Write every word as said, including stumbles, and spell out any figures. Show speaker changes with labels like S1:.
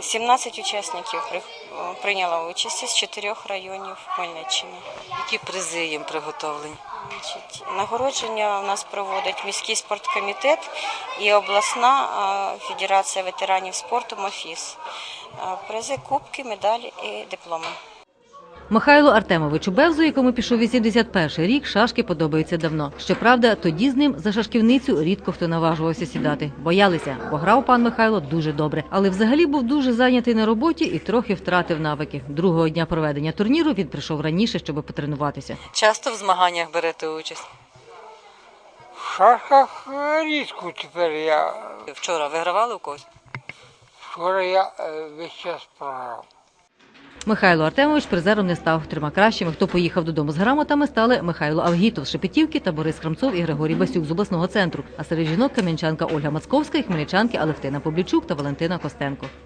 S1: сімнадцять учасників прийняло участь з чотирьох районів Хмельниччини.
S2: Які призи їм приготовлені?
S1: Значить, нагородження у нас проводить міський спорткомітет і обласна федерація ветеранів спорту МОФІС. Призи, кубки, медалі і дипломи.
S3: Михайлу Артемовичу Бевзу, якому пішов вісімдесят перший рік, шашки подобаються давно. Щоправда, тоді з ним за шашківницю рідко хто наважувався сідати. Боялися, бо грав пан Михайло дуже добре. Але взагалі був дуже зайнятий на роботі і трохи втратив навики. Другого дня проведення турніру він прийшов раніше, щоб потренуватися.
S2: Часто в змаганнях берете участь?
S4: В шашках рідко тепер я.
S2: Вчора вигравали у когось?
S4: Вчора я весь час програв.
S3: Михайло Артемович призером не став. Трьома кращими, хто поїхав додому з грамотами, стали Михайло Авгітов з Шепетівки та Борис Храмцов і Григорій Басюк з обласного центру. А серед жінок кам'янчанка Ольга Мацковська і хмельничанки Алевтина Поблічук та Валентина Костенко.